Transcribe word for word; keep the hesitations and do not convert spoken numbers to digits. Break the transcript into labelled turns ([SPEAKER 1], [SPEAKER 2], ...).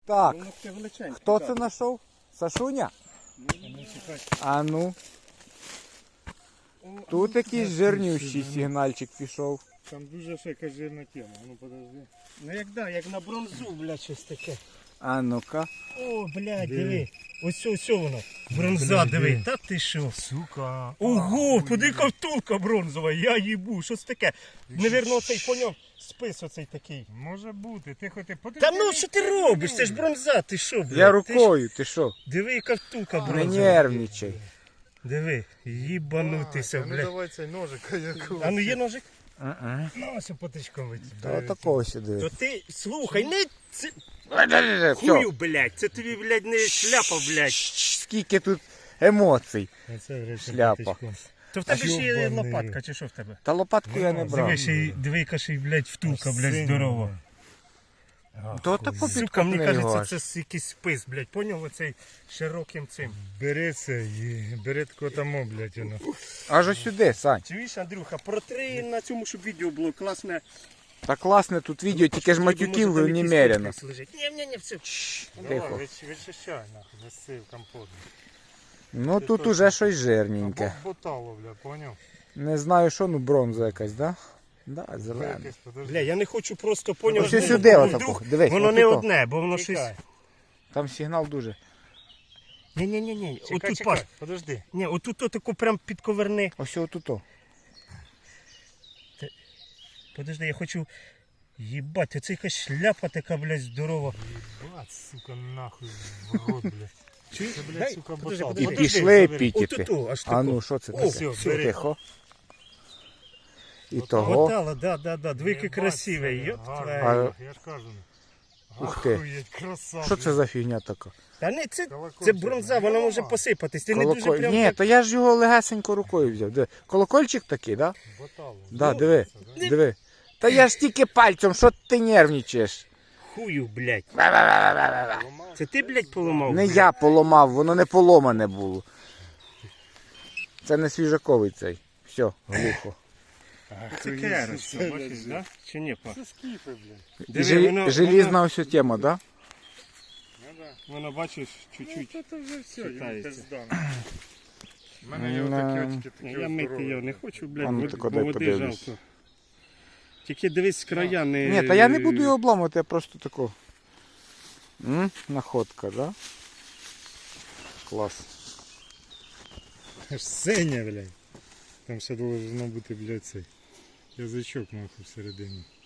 [SPEAKER 1] Так,
[SPEAKER 2] Воно таке величеньке.
[SPEAKER 1] хто
[SPEAKER 2] так.
[SPEAKER 1] це знайшов? Сашуня?
[SPEAKER 2] Ну, чекай.
[SPEAKER 1] А ну. Тут якийсь жирнющий сигнальчик пішов.
[SPEAKER 3] Там дуже ще якась жирна тема. Ну подожди.
[SPEAKER 2] Ну як да, як на бронзу, блядь, щось таке.
[SPEAKER 1] А ну-ка.
[SPEAKER 2] О, блядь,
[SPEAKER 3] Диви.
[SPEAKER 2] диви. Ось ось воно. Бронза,
[SPEAKER 3] Блядь,
[SPEAKER 2] диви.
[SPEAKER 3] диви.
[SPEAKER 2] Та ти що?
[SPEAKER 3] Сука.
[SPEAKER 2] Ого, куди ковтулка бронзова, я їбу, що це таке? Невірно, оцей поняв спис оцей такий.
[SPEAKER 3] Може бути. Ти хоч подожди.
[SPEAKER 2] Та ну що ти робиш? Це ж бронза, ти що, блядь?
[SPEAKER 1] Я
[SPEAKER 2] Ти ж-
[SPEAKER 1] рукою, ти що?
[SPEAKER 2] Диви, яка втулка
[SPEAKER 1] Не
[SPEAKER 2] бронзова.
[SPEAKER 1] нервничай.
[SPEAKER 2] Диви, їбанутися,
[SPEAKER 3] Ну
[SPEAKER 2] блядь.
[SPEAKER 3] давай цей ножик. Якого.
[SPEAKER 2] А ну є ножик?
[SPEAKER 1] Ага.
[SPEAKER 2] Ну, ось потичковий.
[SPEAKER 1] Та отакого сюди.
[SPEAKER 2] То ти, слухай, не це...
[SPEAKER 1] Все.
[SPEAKER 2] Хую, блядь, це тобі, блядь, не шляпа, блядь.
[SPEAKER 1] Скільки тут емоцій.
[SPEAKER 2] Оце, блядь,
[SPEAKER 1] Шляпа.
[SPEAKER 2] То в тебе ще є
[SPEAKER 3] Йобаний.
[SPEAKER 2] лопатка, чи що в тебе?
[SPEAKER 1] Та лопатку я не брав.
[SPEAKER 2] Диви, ще й, диви, яка ще й, блядь, втулка, блядь,
[SPEAKER 3] Синя,
[SPEAKER 2] здорова.
[SPEAKER 1] То тако
[SPEAKER 2] Сука, мені
[SPEAKER 1] підкопни
[SPEAKER 2] кажеться,
[SPEAKER 1] його.
[SPEAKER 2] це с- якийсь спис, блядь, поняв оцей широким цим.
[SPEAKER 3] Бери це і бери тако тому, блядь, воно.
[SPEAKER 1] Аж ось сюди, Сань.
[SPEAKER 2] Чуєш, Андрюха, протри на цьому, щоб відео було класне.
[SPEAKER 1] Та класне тут відео, тільки ж матюків немерено.
[SPEAKER 2] Ні, ні, ні, все.
[SPEAKER 1] Тихо.
[SPEAKER 3] Вичищай, нахуй, засив компот.
[SPEAKER 1] Ну тут уже щось жирненьке.
[SPEAKER 3] Ботало, блядь, поняв?
[SPEAKER 1] Не знаю що, ну бронза якась, да? Да, зелена.
[SPEAKER 3] Якось, подожди.
[SPEAKER 2] Бля, я не хочу просто поняв.
[SPEAKER 1] Ось
[SPEAKER 2] ну,
[SPEAKER 1] сюди
[SPEAKER 2] ну,
[SPEAKER 1] отако,
[SPEAKER 2] вдруг
[SPEAKER 1] дивись,
[SPEAKER 2] Воно не
[SPEAKER 1] отуто.
[SPEAKER 2] одне, бо воно щось.
[SPEAKER 3] Чекай.
[SPEAKER 1] Там сигнал дуже.
[SPEAKER 2] Ні, ні, ні, ні.
[SPEAKER 3] Чекай,
[SPEAKER 2] Отут,
[SPEAKER 3] чекай,
[SPEAKER 2] Паш.
[SPEAKER 3] подожди.
[SPEAKER 2] Ні, отут таку прям підковерни.
[SPEAKER 1] Ось отуто.
[SPEAKER 2] Подожди, я хочу. Їбать, оце якась шляпа така, блядь, здорова.
[SPEAKER 3] Бац, сука, нахуй в рот, блядь.
[SPEAKER 2] Чуєш?
[SPEAKER 3] Це, блядь,
[SPEAKER 2] Дай,
[SPEAKER 3] сука,
[SPEAKER 2] подожди,
[SPEAKER 3] ботал.
[SPEAKER 1] І
[SPEAKER 2] подожди.
[SPEAKER 1] пішли
[SPEAKER 3] забери.
[SPEAKER 1] пікіти.
[SPEAKER 2] Отут, аж
[SPEAKER 1] А
[SPEAKER 2] тако.
[SPEAKER 1] ну що це
[SPEAKER 2] О,
[SPEAKER 1] таке?
[SPEAKER 2] все,
[SPEAKER 3] Все, бери.
[SPEAKER 1] Тихо. І
[SPEAKER 3] Ботало.
[SPEAKER 1] того.
[SPEAKER 2] Ботала, да, да, да. Двійки
[SPEAKER 3] Єбать,
[SPEAKER 2] красивий,
[SPEAKER 3] це
[SPEAKER 2] йоп
[SPEAKER 3] гарно.
[SPEAKER 2] твою.
[SPEAKER 3] Я ж кажу.
[SPEAKER 1] Ух ти.
[SPEAKER 3] Охуєть, краса.
[SPEAKER 1] Що це за фігня така?
[SPEAKER 2] Та не, це, це
[SPEAKER 3] Колокольчик.
[SPEAKER 2] бронза, вона може посипатись. Ти не дуже
[SPEAKER 1] Колоколь...
[SPEAKER 2] прям.
[SPEAKER 1] Ні,
[SPEAKER 2] так-
[SPEAKER 1] то я ж його легесенько рукою взяв. Диви. Колокольчик такий, да?
[SPEAKER 3] Ботало.
[SPEAKER 1] Да,
[SPEAKER 2] Ну,
[SPEAKER 1] диви, диви. Та я ж тільки пальцем, що ти нервничаєш?
[SPEAKER 2] Хую, блядь. Це ти, блядь, поламав?
[SPEAKER 1] Не я поламав, воно не поломане було. Це не свіжаковий цей. Все, глухо.
[SPEAKER 2] Це керос, бачиш, да? Чи ні, па?
[SPEAKER 3] Це скіфи, блядь.
[SPEAKER 2] Диви,
[SPEAKER 1] Жел-
[SPEAKER 2] воно-
[SPEAKER 1] Желізна ось тема, да?
[SPEAKER 3] Ну да.
[SPEAKER 2] Воно, бачиш, чуть-чуть.
[SPEAKER 3] Ну, то вже все, йому
[SPEAKER 2] Читається.
[SPEAKER 3] пизда. У мене є
[SPEAKER 1] Ну,
[SPEAKER 3] отакі очки, такі
[SPEAKER 2] Я мити
[SPEAKER 3] здорові.
[SPEAKER 2] його не хочу, блядь,
[SPEAKER 1] А ну,
[SPEAKER 2] вод-
[SPEAKER 1] так
[SPEAKER 2] бо
[SPEAKER 1] дай
[SPEAKER 2] води
[SPEAKER 1] подивлюсь.
[SPEAKER 2] жалко. Тільки дивись з края не...
[SPEAKER 1] Ні, та я не буду його обламувати, я просто таку. М? Находка, да? Клас.
[SPEAKER 3] Аж синя, блядь. Там ще должно бути, блядь, цей язичок, нахуй, всередині.